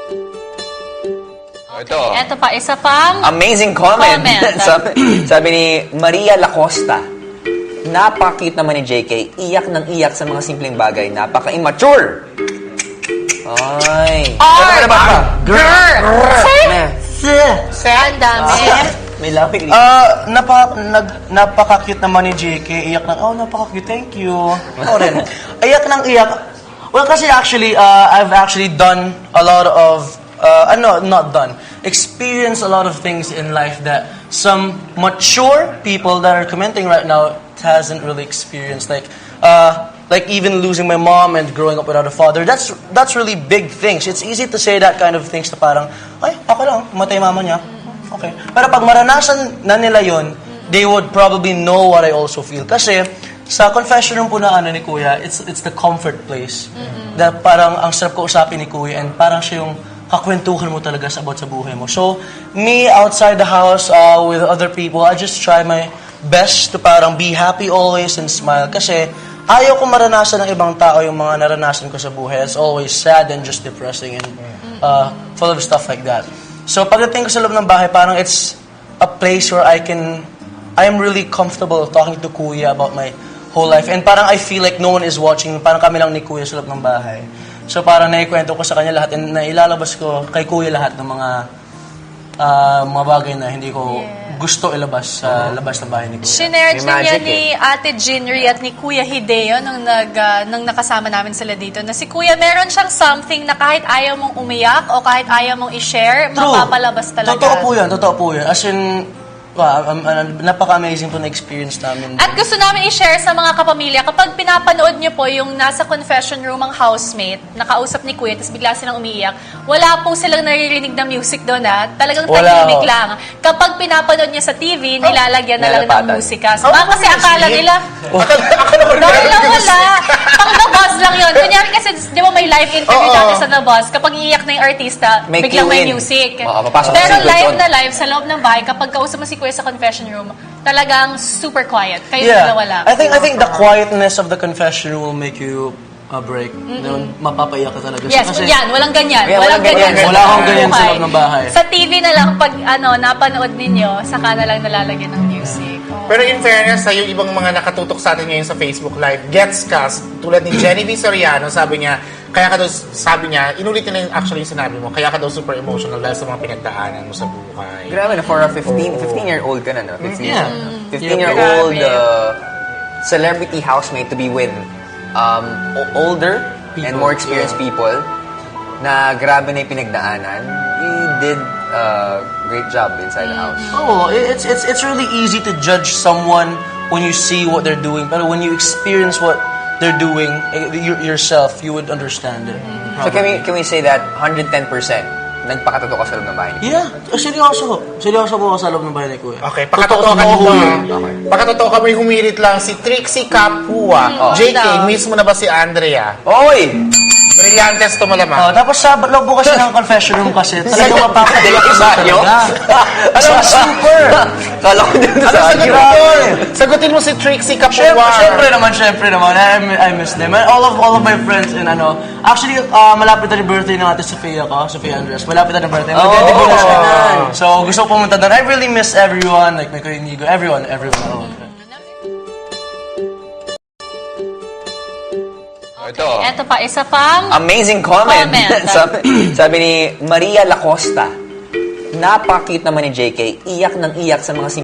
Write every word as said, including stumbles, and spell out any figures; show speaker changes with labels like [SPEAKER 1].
[SPEAKER 1] Ito.
[SPEAKER 2] Ito pa, isa pang
[SPEAKER 1] Amazing comment.
[SPEAKER 2] comment.
[SPEAKER 1] sabi, sabi ni Maria Lacosta, napakit naman ni J K, iyak ng iyak sa mga simpleng bagay, napaka-immature. Ay.
[SPEAKER 2] R.
[SPEAKER 1] Ano ba ba?
[SPEAKER 2] Girl.
[SPEAKER 3] Se.
[SPEAKER 2] Ang dami.
[SPEAKER 1] May lapik.
[SPEAKER 3] Ah, napa, nag, napaka-cute naman ni J K. Iyak ng, oh, napaka-cute, thank you. Ako rin. Iyak ng iyak. Well, kasi actually, uh, I've actually done a lot of, uh, ano, not done, experienced a lot of things in life that some mature people that are commenting right now hasn't really experienced. Like, uh, like even losing my mom and growing up without a father. That's that's really big things. It's easy to say that kind of things na parang, ay, okay lang, matay mama niya. Okay. Pero pag maranasan na nila yon, they would probably know what I also feel. Kasi sa confession room po na ano ni Kuya, it's it's the comfort place. Mm-hmm. Na parang ang sarap ko usapin ni Kuya and parang siya yung kakwentuhan mo talaga sa about sa buhay mo. So, me outside the house uh, with other people, I just try my best to parang be happy always and smile. Kasi ayaw ko maranasan ng ibang tao yung mga naranasan ko sa buhay. It's always sad and just depressing and uh, full of stuff like that. So pagdating ko sa loob ng bahay, parang it's a place where I can, I'm really comfortable talking to Kuya about my whole life. And parang I feel like no one is watching, parang kami lang ni Kuya sa loob ng bahay. So parang naikwento ko sa kanya lahat and nailalabas ko kay Kuya lahat ng mga uh, mga bagay na hindi ko yeah. gusto ilabas sa uh, labas ng bahay ni Kuya.
[SPEAKER 2] Sinerge
[SPEAKER 1] May
[SPEAKER 2] na niya
[SPEAKER 1] magic,
[SPEAKER 2] ni Ate Jinri at ni Kuya Hideo nung, nag, uh, nung nakasama namin sila dito na si Kuya meron siyang something na kahit ayaw mong umiyak o kahit ayaw mong i-share, mapapalabas talaga.
[SPEAKER 3] Totoo po yan, totoo po yan. As in, wow, um, um, napaka-amazing po na experience namin.
[SPEAKER 2] At gusto namin i-share sa mga kapamilya, kapag pinapanood niyo po yung nasa confession room ang housemate, nakausap ni Kuya, tapos bigla silang umiiyak, wala po silang naririnig na music doon ha. Talagang tahimik lang. Kapag pinapanood niyo sa T V, nilalagyan na lang ng musika. So, baka kasi akala nila, dahil lang wala. Pang The Buzz lang yun. Kunyari kasi, di ba may live interview dati sa The Buzz, kapag iiyak na yung artista,
[SPEAKER 1] May
[SPEAKER 2] biglang
[SPEAKER 1] cue
[SPEAKER 2] may
[SPEAKER 1] in.
[SPEAKER 2] music.
[SPEAKER 1] Oo, papasok
[SPEAKER 2] Pero
[SPEAKER 1] sa
[SPEAKER 2] live
[SPEAKER 1] doon.
[SPEAKER 2] na live sa loob ng bahay, kapag kausap mo si Kuya sa confession room, talagang super quiet. Kayo
[SPEAKER 3] Yeah,
[SPEAKER 2] na wala.
[SPEAKER 3] I think I think the quietness of the confession room will make you a break. Mm-hmm. Mapapaiyak ka talaga.
[SPEAKER 2] Yes,
[SPEAKER 3] Kasi
[SPEAKER 2] yan. Walang ganyan.
[SPEAKER 1] Yeah,
[SPEAKER 2] walang
[SPEAKER 1] walang
[SPEAKER 2] ganyan.
[SPEAKER 1] ganyan.
[SPEAKER 3] Wala akong ganyan sa
[SPEAKER 2] buhay.
[SPEAKER 3] loob ng bahay.
[SPEAKER 2] Sa T V na lang, pag ano, napanood ninyo, saka na lang nalalagyan ng music. Oh.
[SPEAKER 4] Pero in fairness, sa yung ibang mga nakatutok sa atin ngayon sa Facebook Live, gets cast, tulad ni Genevieve Soriano, sabi niya, kaya ka daw, sabi niya, inulit niya actually yung sinabi mo, kaya ka daw super emotional dahil sa mga pinagdaanan mo sa buhay.
[SPEAKER 1] Grabe na, for a fifteen, fifteen-year-old ka na, no? fifteen,
[SPEAKER 3] Yeah.
[SPEAKER 1] fifteen-year-old
[SPEAKER 2] Grabe.
[SPEAKER 1] uh, celebrity housemate to be with um, o- older and
[SPEAKER 3] People,
[SPEAKER 1] more experienced people na grabe na yung pinagdaanan. You did a great job inside the house.
[SPEAKER 3] Oh, it's it's it's really easy to judge someone when you see what they're doing, but when you experience what they're doing eh, y- yourself, you would understand it.
[SPEAKER 1] So can we can we say that one hundred ten percent nagpakatotoo ka sa loob ng bahay niyo?
[SPEAKER 3] Yeah, oh, seryoso. Seryoso po ako sa loob ng bahay ni Kuya.
[SPEAKER 4] Okay, pakatotoo ka dito.
[SPEAKER 1] Okay.
[SPEAKER 4] Pakatotoo ka, may humirit lang si Trixie Capua. J K,
[SPEAKER 2] daw.
[SPEAKER 4] miss mo na ba si Andrea?
[SPEAKER 1] Oy!
[SPEAKER 4] Brillantes to
[SPEAKER 3] Oh,
[SPEAKER 4] malamang.
[SPEAKER 3] tapos sa loob po kasi ng confession room kasi talagang mapapadala ka
[SPEAKER 1] Iba nyo?
[SPEAKER 3] Alam mo, super!
[SPEAKER 1] Kala ko din
[SPEAKER 4] Ano
[SPEAKER 1] sa
[SPEAKER 4] sagutin mo doon? Sagutin mo si Trixie Capua.
[SPEAKER 3] Siyempre, siyempre naman, siyempre naman. I, I miss them. And all of all of my friends and ano. Actually, uh, malapit na yung birthday ng ate Sofia ko, Sofia Andres. Malapit na yung birthday.
[SPEAKER 1] Oh!
[SPEAKER 3] Magdedibo na siya. So, gusto ko pumunta doon. I really miss everyone. Like, my Kuya Inigo. Everyone, everyone. Oh.
[SPEAKER 1] Ito.
[SPEAKER 2] Ito pa, isa pang
[SPEAKER 1] Amazing comment.
[SPEAKER 2] Comment.
[SPEAKER 1] sabi, sabi ni Maria Lacosta, napakit naman ni J K, iyak ng iyak sa mga